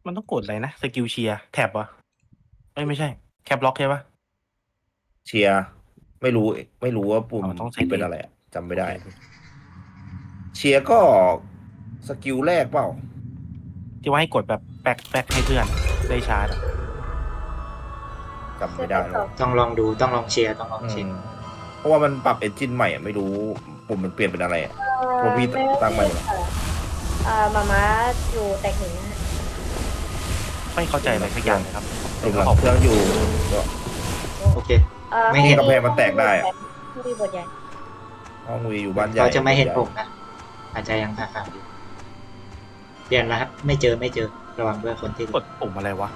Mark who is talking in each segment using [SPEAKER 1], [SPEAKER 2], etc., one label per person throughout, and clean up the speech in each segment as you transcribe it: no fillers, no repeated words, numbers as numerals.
[SPEAKER 1] มันต้องกดอะไรนะสกิลเชียร์แท็บวะไม่ใช่แคปล็อกใช่ปะ
[SPEAKER 2] เชียร์ไม่รู้ว่าปุ่ม
[SPEAKER 1] ต้องใส่
[SPEAKER 2] เป็นอะไรอะจำไม่ได้
[SPEAKER 1] โอเค
[SPEAKER 2] เชียร์ก็สกิลแรกเปล่า
[SPEAKER 1] ที่ว่าให้กดแบบแบกให้เพื่อนได้ชาร์จอะ
[SPEAKER 2] จำไม่ได้แล้ว
[SPEAKER 3] ต้องลองดูต้องลองเชียร์ต้องลอง
[SPEAKER 2] อื
[SPEAKER 3] เชีย
[SPEAKER 2] ม
[SPEAKER 3] ร์
[SPEAKER 2] เพราะว่ามันปรับเอนจินใหม่อะไม่รู้ปุ่มมันเปลี่ยนเป็นอะไรอะเพราะพี่ตั้งใหม่เหรอ
[SPEAKER 4] มาม่าอยู่แตกหนึ่งนะฮะ
[SPEAKER 1] ไม่เข้าใจอะไรสักอย่างเลยครับ
[SPEAKER 2] ตุ่มหลังเครื่องอยู่ก็
[SPEAKER 3] โอเค
[SPEAKER 4] ไม่
[SPEAKER 3] เห็น
[SPEAKER 2] กำแพงมันแตกได้อะ
[SPEAKER 4] ไม่มีบทใหญ่
[SPEAKER 2] ห้องวีอยู่บ้านใหญ่
[SPEAKER 3] เขาจะไม่เห็นผมนะอาจจะยังห่างๆอยู่เปลี่ยนแล้วครับไม่เจอระวังด้วยคนที่
[SPEAKER 1] กดปุ่มอะไรวะ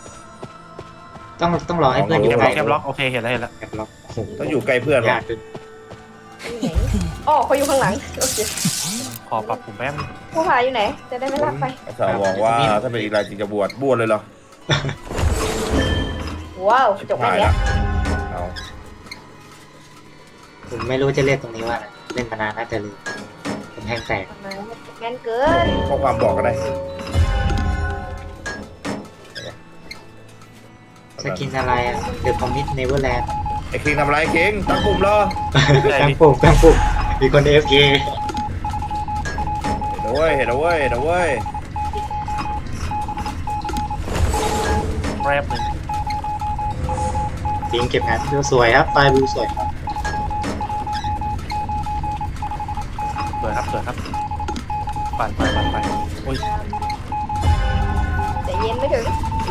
[SPEAKER 3] ต้องรอให้เพื่อนอยู่ใกล้
[SPEAKER 1] แคปล็อกโอเคเห็นแล้ว
[SPEAKER 3] แคปล็อกโอ้โห
[SPEAKER 2] ต้องอยู่ใกล้เพื่อนเหรอย
[SPEAKER 3] ากขึ้น
[SPEAKER 4] อยู่ไหนอ๋อเขาอยู่ข้างหลังโอเค
[SPEAKER 1] ขอปรับปุ่มแป๊บนึง
[SPEAKER 4] ผู้พาอยู่ไหน จะได้ไม่ลากไป
[SPEAKER 2] อาสาวบอกว่าถ้าเป็นอีกรายจริงจะบวชเลยเหรอ
[SPEAKER 4] ว้าวจบแค่
[SPEAKER 2] หาย
[SPEAKER 4] เนี้
[SPEAKER 2] ละ
[SPEAKER 4] ย
[SPEAKER 2] เอา
[SPEAKER 3] ผมไม่รู้จะเรียกตรงนี้ว่าอะไรเล่นมานานน่าจะลืมผมแห้งแตก
[SPEAKER 4] มางั้นเกิน
[SPEAKER 2] ข้อความบอกก็ได้
[SPEAKER 3] สกินอะไรอ่ะเดอะคอมมิตเนเวอร์แลนด์
[SPEAKER 2] ไอ้คิงทำอะไรคิงตั้งปุ่มเหรอ
[SPEAKER 3] กลางปุ่มมีคน AFK
[SPEAKER 2] เห็นเอาเว้ยเห็นเอาเว้ยเห็นเอาเว้ย
[SPEAKER 1] แป๊บนึง
[SPEAKER 3] จริงเก็บงานดูสวยครับไฟล์วิวสวยครับ
[SPEAKER 1] สวยครับปั่นไปโอ้ย
[SPEAKER 4] แต่เย็นไม่ถึง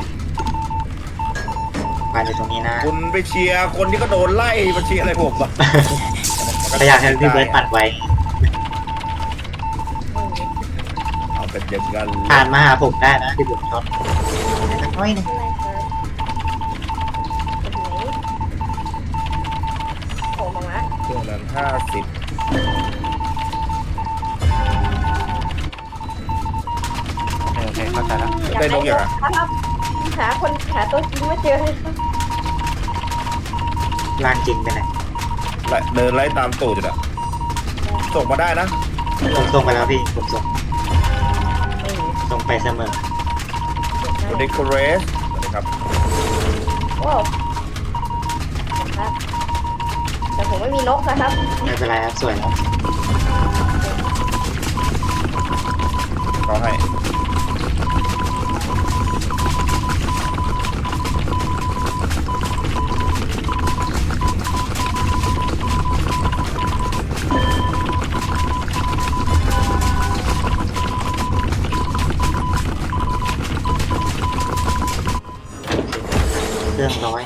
[SPEAKER 3] ไฟล์อยู่ตรงนี้นะ
[SPEAKER 2] คุณไปเชียร์คนที่ก็โดนไล่มาเชียร์อะไรผมอะ
[SPEAKER 3] ก็อยากให้พี่เบิร์ดปัดไว้
[SPEAKER 2] เอาเป็นอย่างนั้น
[SPEAKER 3] ผ่านมาหาผมได้นะที่ผมชอบสักน้อยหนึง
[SPEAKER 4] อะไรครับเป็นไหนโผล่มาม่า
[SPEAKER 2] ช่วงนั้น50
[SPEAKER 1] โอเคเข้าใจแล้ว
[SPEAKER 2] ได้นกอย่างอะ
[SPEAKER 4] ครับหาตัวจริงไม่เจอเลยครับ
[SPEAKER 3] ลานจริงไปไหน
[SPEAKER 2] เดินไล่ตามตูดอยู่อะส่งมาได้นะ
[SPEAKER 3] ผมส่งไปแล้วพี่ผมส่ง
[SPEAKER 4] ไม่มี
[SPEAKER 3] ส่งไปเสมอ
[SPEAKER 2] สวัสดีคุณเรสสวัสดีครับ
[SPEAKER 4] ว้าวครับแต่ผมไม่มีนกนะครับ
[SPEAKER 3] ไม่เป็นไรครับสวยแล้ว
[SPEAKER 2] เขาให้
[SPEAKER 3] เครื่องร้อย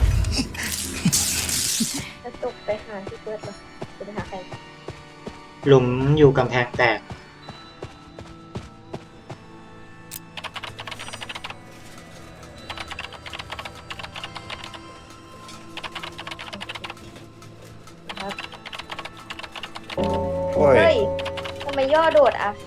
[SPEAKER 4] จะตกไปหาที่เปิดเลยจะไปหาใคร
[SPEAKER 3] หลุมอยู่กำแพงแตก
[SPEAKER 4] ครับ
[SPEAKER 2] โอ้ย
[SPEAKER 4] เฮ้ยทำไมย่อโดดอ่ะ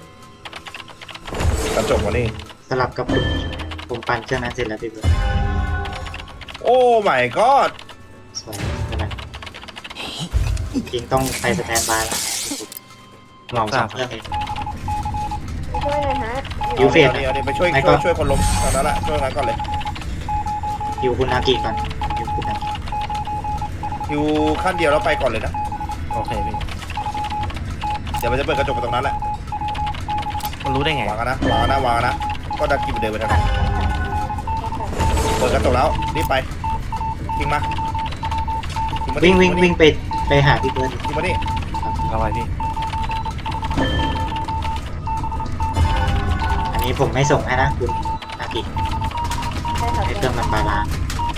[SPEAKER 2] กระจกมานี่
[SPEAKER 3] สลับกับคุณผมปั่นเครื่องนั้นเสร็จแล้วพี่เบิร์ด
[SPEAKER 2] โอ้ my god
[SPEAKER 3] สวยใช่ไหมจริงต้องไปสแตนบายแล้วเหมาสองเครื่องเอง
[SPEAKER 4] ช่วยหน่อยฮะ
[SPEAKER 3] ยูเฟส
[SPEAKER 2] เอาดิไปช่วย
[SPEAKER 3] ไม่ก็
[SPEAKER 2] ช่วยคนล้มตอนนั้นแหละช่วยนั้นก่อนเลย
[SPEAKER 3] อยู่คุณนากิก่อนอยู่คุณนากิ
[SPEAKER 2] คิวขั้นเดียวแล้วไปก่อนเลยนะ
[SPEAKER 1] โอเคพี่
[SPEAKER 2] เดี๋ยวมันจะเปิดกระจกไปตรงนั้นแหละ
[SPEAKER 1] มันรู้ได้ไง
[SPEAKER 2] วางกันนะก็ดักกินเดินไปทางนั้นเปิดกระจกแล้วรีบไปทิ้งมาทิ้งมาดิ
[SPEAKER 3] วิ่งไปหาพี่เบิร์ด
[SPEAKER 2] ทิ้งมาดิ
[SPEAKER 1] เอาไว้พี่
[SPEAKER 3] อันนี้ผมไม่ส่งให้นะคุณนากิ
[SPEAKER 4] ใช่ครับ
[SPEAKER 3] ให้เครื่องมันบาลานซ์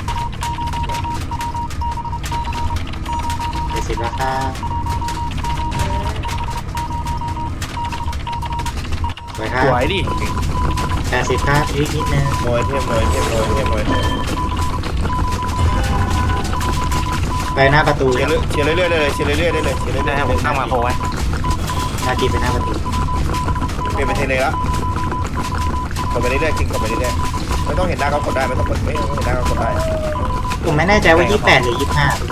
[SPEAKER 3] เดี๋ยวสิแล้วครับสวยครั
[SPEAKER 1] ส
[SPEAKER 3] บ
[SPEAKER 1] วยดิ
[SPEAKER 3] 80ครับอีกนิดนึง
[SPEAKER 2] หน่วยเทมหน่วยเทมหน่วยเทมหน่วย
[SPEAKER 3] ไปหน้าประตู
[SPEAKER 2] เชียร์เชียร์เรื่อยๆได้เลยเชียร์เรื่อยๆได้เลยเชียร์เรื่อยๆ
[SPEAKER 1] ได้ให้ผมตั้งมาโคไว้
[SPEAKER 3] นากิไปหน้าประตู
[SPEAKER 2] เปลี่ยนเป็นเทเลแล้วกดไปเรื่อยๆกินกดไปเรื่อยๆไม่ต้องเห็นหน้าเขากดได้ไม่ต้องกดไม่ต้องเห็นหน้าเขากดได้
[SPEAKER 3] ผมไม่แน่ใจว่า28หรือ25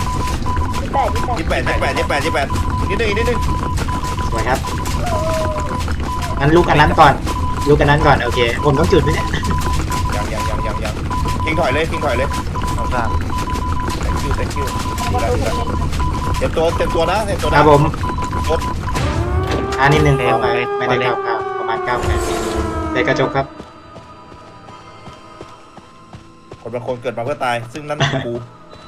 [SPEAKER 4] 28
[SPEAKER 2] 28อีกนิดนึง
[SPEAKER 3] สวยครับงั้นลูกอันนั้นก่อน โอเค ผมต้องจุดไหมเนี่ย
[SPEAKER 2] คิงถอยเลยคิงถอยเลย
[SPEAKER 1] เราทราบ
[SPEAKER 2] thank you thank you
[SPEAKER 4] ประตูเทน
[SPEAKER 2] เตรียมตัวนะเตรียมตัว
[SPEAKER 3] ค
[SPEAKER 2] นะ
[SPEAKER 3] รับผม
[SPEAKER 2] รถ
[SPEAKER 3] นิดนึงขอไปไม่ได้9 9ประมาณ9 8ในกระจกครับ
[SPEAKER 2] คนบางคนเกิดมาเพื่อตาย ซึ่งนั่นคือกู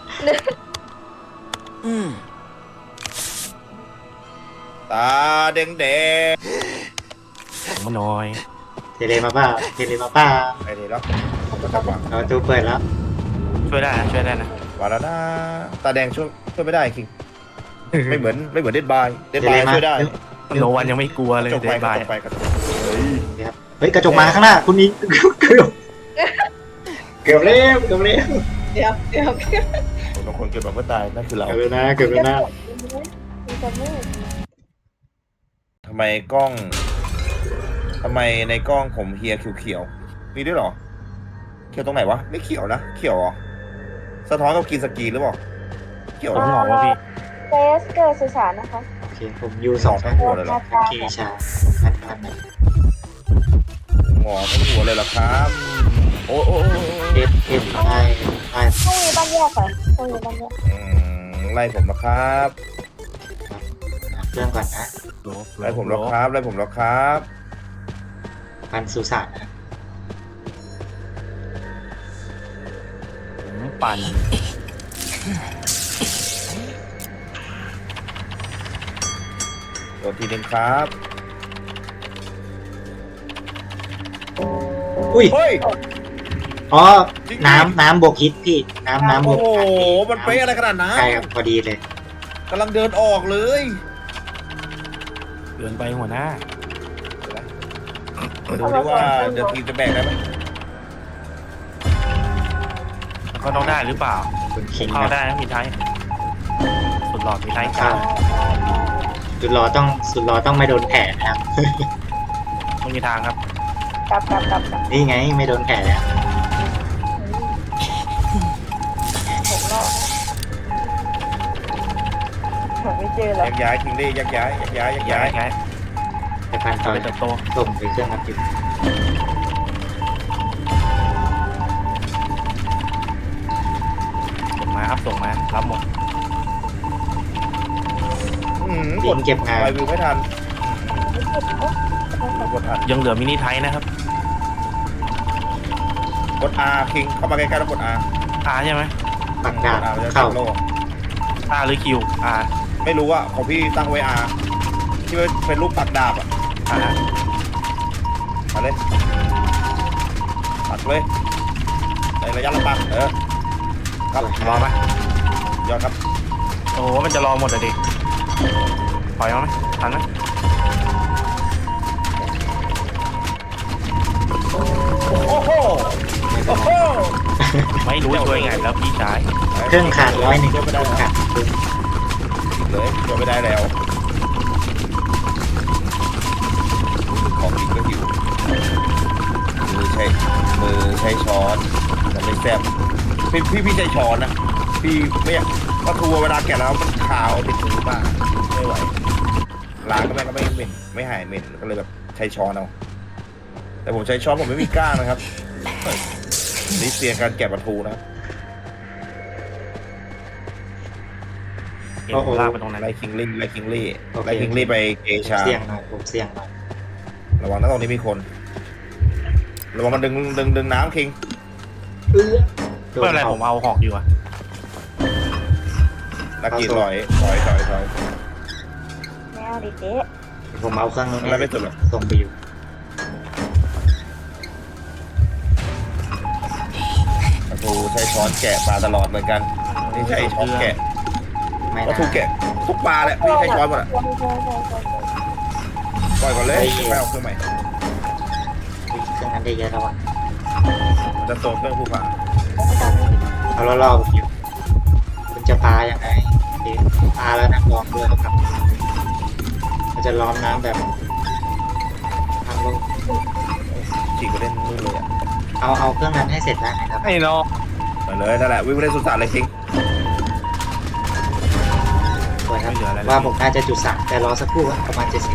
[SPEAKER 2] ตาแดง
[SPEAKER 1] ผมน้อย
[SPEAKER 3] เทเลมาเปล่าเทเลมาเปล่า
[SPEAKER 2] ๆไอ้นี่แล้วก็จะวาง
[SPEAKER 3] ประตูเปิดแล้ว
[SPEAKER 1] ช่วยได้นะช่วยได้นะ
[SPEAKER 2] วางแล้วนะตาแดงช่วยไม่ได้คิงไม่เหมือนเด็ดบายช่วยได้
[SPEAKER 1] โนวันยังไม่กลัวเลย
[SPEAKER 2] กระจก
[SPEAKER 1] เด
[SPEAKER 2] ไป
[SPEAKER 1] น
[SPEAKER 2] ก
[SPEAKER 1] บา
[SPEAKER 2] ระ
[SPEAKER 1] ย
[SPEAKER 2] จกไปกระจกเฮ้ย
[SPEAKER 3] เฮ้ยกระจกมาข้างหน้าคุณนี้เกือบแล้ว
[SPEAKER 4] เดี๋ยว
[SPEAKER 2] คนบางคนเกิดมาเพื่อตายนั่นคือเรา
[SPEAKER 3] เกือบแล้วนะ
[SPEAKER 4] มีคนมืด
[SPEAKER 2] ทำไมในกล้องผมเฮียเขียวๆมีด้วยเหรอเขียวตรงไหนวะไม่เขียวนะเขียวเหรอสะท้อนกับกินสกีหรือเปล่าเขียว
[SPEAKER 1] ผม
[SPEAKER 2] นะ
[SPEAKER 1] หงอกว่าพี่
[SPEAKER 4] เฟสเกิดสื่อสารนะคะ
[SPEAKER 3] โอเคผมยู2
[SPEAKER 2] ทั้งหัวเลยเหรอ
[SPEAKER 3] เคชาพัน
[SPEAKER 2] หงอทั้งหัวเลยเหรอครับโอ้โอ้
[SPEAKER 3] เอฟได้
[SPEAKER 4] ห้องนี้บ้านแยกค่ะห้องนี้บ้านแยก
[SPEAKER 2] ไล่ผมแล้วครับ
[SPEAKER 3] เครื่องก่อนนะ
[SPEAKER 2] ไล่ผมแล้วครับ
[SPEAKER 3] พันสุสานนะ
[SPEAKER 1] ผมปั่น
[SPEAKER 2] โดนทีนึงครับ
[SPEAKER 3] อุ้ย
[SPEAKER 2] เฮ้ย
[SPEAKER 3] อ๋อน้ำบวกฮิตพี่น้ำบว
[SPEAKER 2] โอ้
[SPEAKER 3] ก
[SPEAKER 2] โหมันเป๊ะอะไรขนาดนั้น
[SPEAKER 3] ใช่ครับพอดีเลย
[SPEAKER 2] กำลังเดินออกเลย
[SPEAKER 1] เดินไปหัวหน้า
[SPEAKER 2] มาดูดิว่าเดอะทีมจะแบกได้ไหม
[SPEAKER 1] มันก็ต้องได้หรือเปล่า
[SPEAKER 3] คุณคิง
[SPEAKER 1] เข้าได้นะมีไทยสุดหลอดมีไทยกลาง
[SPEAKER 3] สุดรอต้องไม่โดนแผลนะครับ
[SPEAKER 1] ไม่มีทางครับ
[SPEAKER 4] กลับ
[SPEAKER 3] นี่ไงไม่โดนแผลแล้ว
[SPEAKER 4] ผมรอดผมไม่เจอแล้ว
[SPEAKER 2] ยักย้ายทิ้งดิยักย้าย
[SPEAKER 1] ย้าย
[SPEAKER 3] ไปพันต่อ
[SPEAKER 1] ไปเติบโต
[SPEAKER 3] ส่งไปเครื่องรับอยู่
[SPEAKER 1] ส่งมาครับส่งมารับหมด
[SPEAKER 2] กด
[SPEAKER 3] เก็บงาน
[SPEAKER 2] ไปวิวไม่ทัน
[SPEAKER 4] ไม่เจ็บ
[SPEAKER 2] กดทัน
[SPEAKER 1] ยังเหลือมินิไทยนะครับ
[SPEAKER 2] กด R คิงเข้ามาใกล้ๆแล้วกด R
[SPEAKER 1] อาใช่ไหม
[SPEAKER 3] ปักดาบ
[SPEAKER 2] มันจะ
[SPEAKER 3] เข้า
[SPEAKER 2] โล่
[SPEAKER 1] อาหรือคิวอา
[SPEAKER 2] ไม่รู้อะของพี่ตั้งไว้ R ที่เป็นรูปปักดาบอะ
[SPEAKER 1] อา
[SPEAKER 2] มาเลยปักเลยในระยะลำบากครับ
[SPEAKER 1] รอไหม
[SPEAKER 2] ยอดครับ
[SPEAKER 1] โอ้โหมันจะรอหมดเลยดิปล่อยเอาไหมทันไหม
[SPEAKER 2] โอ้โหโอ้โห
[SPEAKER 1] ไม่รู้ช่วยไงแล้วพี่ชาย
[SPEAKER 3] เครื่องขาด100เค
[SPEAKER 2] ช่วยไม่ได้
[SPEAKER 3] รื่อง
[SPEAKER 2] แล้ว
[SPEAKER 3] ขาด
[SPEAKER 2] เลยช่วยไม่ได้แล้วของกินก็หิวมือใช้ช้อนแต่ไม่แซ่บพี่ใช้ช้อนนะพี่ไม่อยากปลาทูเวลาแกะแล้วมันขาวติดมือมากไม่ไหวล้างก็ไม่เหม็นไม่หายเหม็นก็เลยแบบใช้ช้อนเอาแต่ผมใช้ช้อนผมไม่มีก้างนะครับนี่เสียการแกะปลาทูนะครับ
[SPEAKER 1] เอ็นลากไปตรงนั้น
[SPEAKER 2] ไล่คิงลี่ไล่คิงลี่ไปเกชา
[SPEAKER 3] เสี่ยงหน่อยผมเสี่ยงหน่อย
[SPEAKER 2] ระวังนะตรงนี้มีคนระวังมันดึงน้ำคิง
[SPEAKER 1] ไม่เป็นไรผมเอาหอกดีกว่า
[SPEAKER 2] นักกีถอย
[SPEAKER 4] แมวดิเจ๊
[SPEAKER 3] ผมเอาเครื่องนู้น
[SPEAKER 2] ไม่สุดหรอก
[SPEAKER 3] ส่งไปอยู่
[SPEAKER 2] ปลาทูใช้ช้อนแกะปลาตลอดเหมือนกันนี่ใช้ช้อนแกะ
[SPEAKER 3] ไม่
[SPEAKER 2] ปลา
[SPEAKER 3] นะ
[SPEAKER 2] ทูแกะทุกปลาแหละพี่ใช้ช้อนหมดอ่ะปล่อยก่อนเลยไม่เอาเครื่องใหม่
[SPEAKER 3] เครื่องนั้นได้เยอะแล้วอ่ะ
[SPEAKER 2] มันจะโซนเครื่องภูผา
[SPEAKER 3] เอาล่อๆผมอยู่คุณจะปลายังไงเอ๊ะปลาแล้วนะลองด้วยครับมันจะล้อมน้ำแบบทางลง
[SPEAKER 2] ฉีกไปเล่นนู่นเลยอ่ะ
[SPEAKER 3] เอาเครื่องนั้นให้เสร็จได้ไหมครับ
[SPEAKER 1] ไอ้น้อง
[SPEAKER 2] ไปเลยนั่นแหละวิ่งไปเล่นสุสานเลยคิง
[SPEAKER 3] สวยครับว่าผมน่าจะจุด3แต่รอสักครู่ครับประมาณ70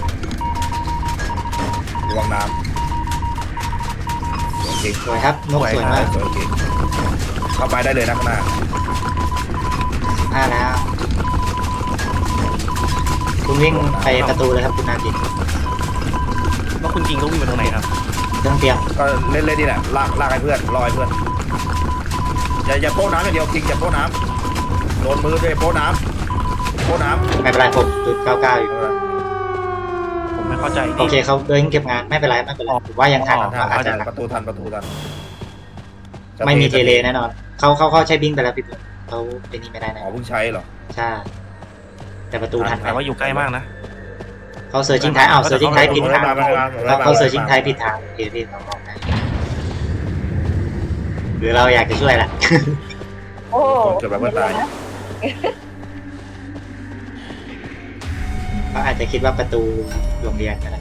[SPEAKER 2] ระวังน้ำโอเค
[SPEAKER 3] สวยครับนกสวยมาก
[SPEAKER 2] โอเคเข้าไปได้เลยนะข้างหน้า
[SPEAKER 3] แล้ว คุณวิ่งไปประตูเลยครับคุณนาจิต
[SPEAKER 1] แล้วคุณจริงก็วิ่งไปตรงไหนครับ
[SPEAKER 3] ต้องเตรียม
[SPEAKER 2] ก็เล่นนี่แหละลากให้เพื่อนรอให้เพื่อนอย่าโป้น้ำอย่างเดียวจริงอย่าโป้น้ำโดนมือด้วยโป้น้ำ
[SPEAKER 3] ไม่เป็นไรผมจุด99อยู่
[SPEAKER 1] ผมไม่เข้าใจ
[SPEAKER 3] โอเคเขาเดินเก็บงานไม่เป็นไรผมว่ายังทัน
[SPEAKER 1] อ๋อ
[SPEAKER 3] ว่าอาจจะ
[SPEAKER 2] ประตูทัน
[SPEAKER 3] ไม่มีเทเลแน่นอนเขาใช้บิงไปแล้วพี่ปุ๊เขาเป็นนี่ไม่ได้นะ
[SPEAKER 2] อ๋อเพิ่งใช้เหรอ
[SPEAKER 3] ใช่แต่ประตูทันไหม
[SPEAKER 1] แต่ว่าอยู่ใกล้มากนะ
[SPEAKER 3] เขาเซอร์จิงไทยเซอร์จิงไทยผิดทางเขาเซอร์จิงไทยผิดทางโอเคพี่เราบอกได้หรือเราอยากจะช่วยล่ะ
[SPEAKER 4] โอ้
[SPEAKER 2] เกิดแบบว่าตาย
[SPEAKER 3] เขาอาจจะคิดว่าประตูโรงเรียนก็ได้